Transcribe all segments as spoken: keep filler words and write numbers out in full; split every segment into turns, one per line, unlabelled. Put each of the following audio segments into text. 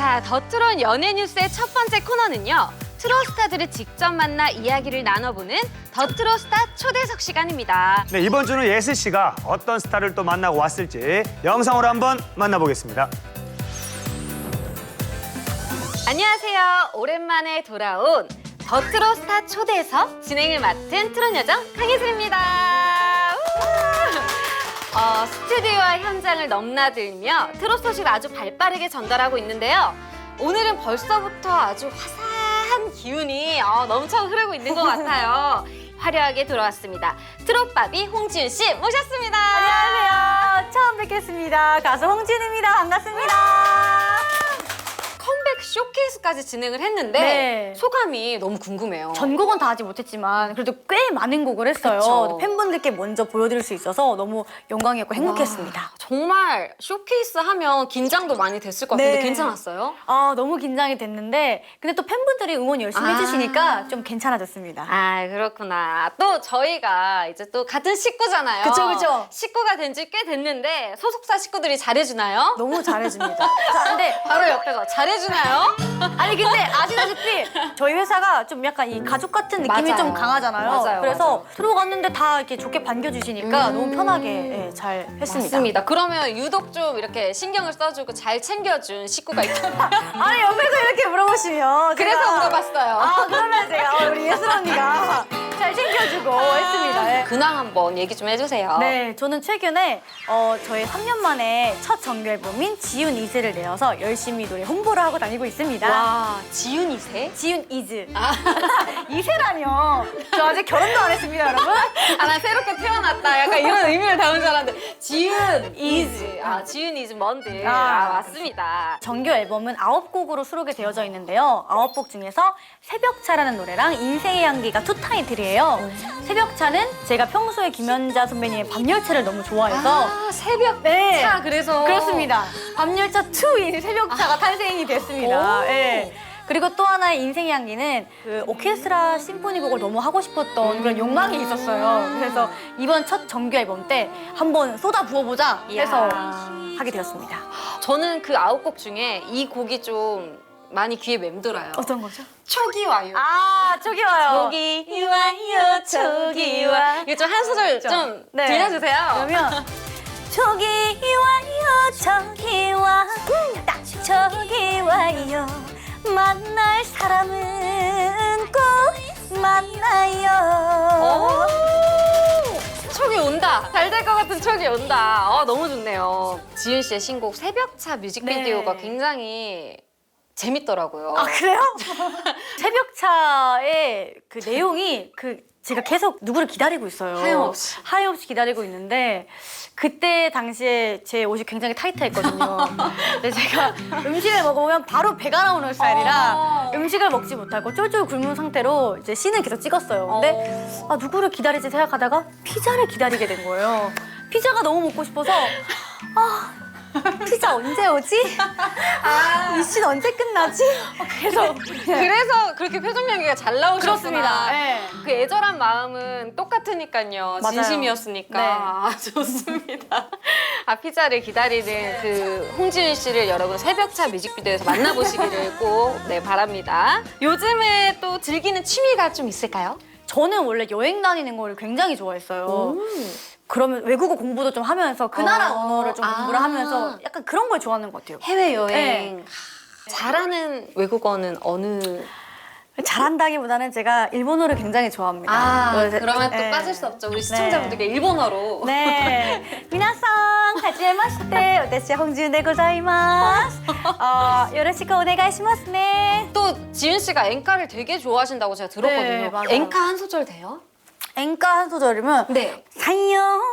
자, 더 트롯 연예 뉴스의 첫 번째 코너는요. 트롯 스타들을 직접 만나 이야기를 나눠보는 더 트롯 스타 초대석 시간입니다.
네, 이번 주는 예슬 씨가 어떤 스타를 또 만나고 왔을지 영상으로 한번 만나보겠습니다.
안녕하세요. 오랜만에 돌아온 더 트롯 스타 초대석 진행을 맡은 트롯 여정 강예슬입니다. 어, 스튜디오와 현장을 넘나들며 트롯 소식을 아주 발빠르게 전달하고 있는데요. 오늘은 벌써부터 아주 화사한 기운이 어, 넘쳐 흐르고 있는 것 같아요. 화려하게 돌아왔습니다. 트롯바비 홍지윤 씨 모셨습니다.
안녕하세요. 처음 뵙겠습니다. 가수 홍지윤입니다. 반갑습니다.
컴백 쇼케이스까지 진행을 했는데
네.
소감이 너무 궁금해요.
전곡은 다 하지 못했지만 그래도 꽤 많은 곡을 했어요.
그쵸.
팬분들께 먼저 보여드릴 수 있어서 너무 영광이었고 행복했습니다.
와, 정말 쇼케이스 하면 긴장도 많이 됐을 것 같은데
네.
괜찮았어요?
아 너무 긴장이 됐는데 근데 또 팬분들이 응원 열심히
아.
해주시니까 좀 괜찮아졌습니다.
아, 그렇구나. 또 저희가 이제 또 같은 식구잖아요.
그쵸, 그쵸.
식구가 된 지 꽤 됐는데 소속사 식구들이 잘해주나요?
너무 잘해줍니다. 자, 근데
바로 옆에서 잘해주나요?
아니 근데 아시다시피 저희 회사가 좀 약간 이 가족 같은 느낌이
맞아요.
좀 강하잖아요.
맞아요,
그래서
맞아요.
들어갔는데 다 이렇게 좋게 반겨주시니까
음.
너무 편하게 예, 잘 했습니다.
맞습니다. 그러면 유독 좀 이렇게 신경을 써주고 잘 챙겨준 식구가 있잖아요.
아니 옆에서 이렇게 물어보시면
그래서
제가-
물어봤어요.
아 그러면 제가 어, 우리 예슬 언니가 잘 챙겨주고 했습니다. 예.
근황 한번 얘기 좀 해주세요.
네, 저는 최근에 어, 저의 삼 년 만에 첫 정규 앨범인 지윤 이즈를 내어서 열심히 노래 홍보를 하고 다니고 있습니다.
와, 지윤 이 세?
지윤 이즈.
아.
이세라뇨. 저 아직 결혼도 안 했습니다, 여러분.
아, 나 새롭게 태어났다. 약간 이런 의미를 담은 줄 알았는데. 지윤 이즈. 아, 지윤 이즈 먼들. 아,
아,
맞습니다.
정규 앨범은 아홉 곡으로 수록이 되어져 있는데요. 아홉 곡 중에서 새벽차라는 노래랑 인생의 향기가 투 타이틀이에요. 새벽차는 제가 평소에 김연자 선배님의 밤열차를 너무 좋아해서
아, 새벽
네.
차 그래서.
그렇습니다. 밤열차 투인 새벽차가 탄생이 됐습니다.
오.
네. 그리고 또 하나의 인생의 향기는 그 오케스트라 심포니곡을 너무 하고 싶었던 그런 욕망이 있었어요. 그래서 이번 첫 정규 앨범 때 한번 쏟아 부어보자 해서
이야.
하게 되었습니다.
저는 그 아홉 곡 중에 이 곡이 좀 많이 귀에 맴돌아요.
어떤 거죠?
촉이 와요.
아, 저기 와요.
촉이 와요, 촉이 와. 이거 좀 한 소절 좀
네.
들려주세요.
그러면 저기 와요, 저기 와, 딱 저기 와요. 만날 사람은 꼭 만나요.
오! 촉이 온다. 잘 될 것 같은 촉이 온다. 어, 너무 좋네요. 지윤 씨의 신곡 새벽차 뮤직비디오가
네.
굉장히 재밌더라고요.
아 그래요? 새벽차의 그 내용이 그 제가 계속 누구를 기다리고 있어요.
하염없이.
하염없이 기다리고 있는데 그때 당시에 제 옷이 굉장히 타이트했거든요. 근데 제가 음식을 먹어보면 바로 배가 나오는 스타일이라
어.
음식을 먹지 못하고 쫄쫄 굶은 상태로 이제 씬을 계속 찍었어요. 근데 아, 누구를 기다리지 생각하다가 피자를 기다리게 된 거예요. 피자가 너무 먹고 싶어서 아 피자 언제 오지?
아.
이 씬 언제 끝나지? 그래서
그래서 그렇게 표정 연기가 잘 나오셨구나.
그렇습니다. 네.
그 애절한 마음은 똑같으니까요.
맞아요.
진심이었으니까.
네.
아, 좋습니다. 아, 피자를 기다리는 그 홍지윤 씨를 여러분 새벽차 뮤직비디오에서 만나보시기를 꼭 네, 바랍니다. 요즘에 또 즐기는 취미가 좀 있을까요?
저는 원래 여행 다니는 걸 굉장히 좋아했어요. 그러면 외국어 공부도 좀 하면서 그 나라
어.
언어를 좀
아.
공부를 하면서 약간 그런 걸 좋아하는 것 같아요.
해외여행.
네.
잘하는 외국어는 어느?
잘한다기보다는 제가 일본어를 굉장히 좋아합니다.
아,
그래서-
그러면 또
네.
빠질 수 없죠. 우리 시청자분들께 일본어로.
네. 미나상, 하지메마시테,私 홍지윤でございます. 어, 요로시ku 오네가이시마스 네.
또 지윤 씨가 엔카를 되게 좋아하신다고 제가 들었거든요.
네, 맞아요.
엔카 한 소절 돼요?
엔카 한 소절이면
네.
사요나라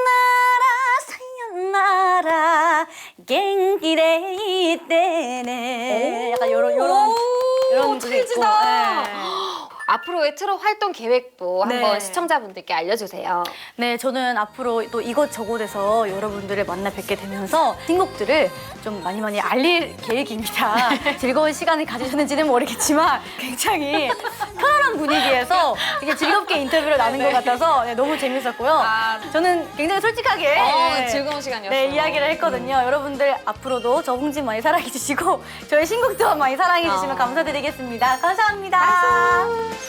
사요나라 genki de 이때네 약간 요런 요런
오,
요런 게 있고,
찰지다.
네.
앞으로의 트롯 활동 계획도
네.
한번 시청자분들께 알려주세요.
네, 저는 앞으로 또 이곳저곳에서 여러분들을 만나 뵙게 되면서 신곡들을 좀 많이 많이 알릴 계획입니다. 즐거운 시간을 가지셨는지는 모르겠지만 굉장히 편안한 분위기에서 되게 즐겁게 인터뷰를 나눈 것 같아서 네, 너무 재밌었고요.
아.
저는 굉장히 솔직하게
어,
네,
즐거운 시간이었어요.
네, 이야기를 했거든요. 여러분들 앞으로도 저 홍진 많이 사랑해 주시고 저희 신곡도 많이 사랑해 주시면
어.
감사드리겠습니다. 감사합니다.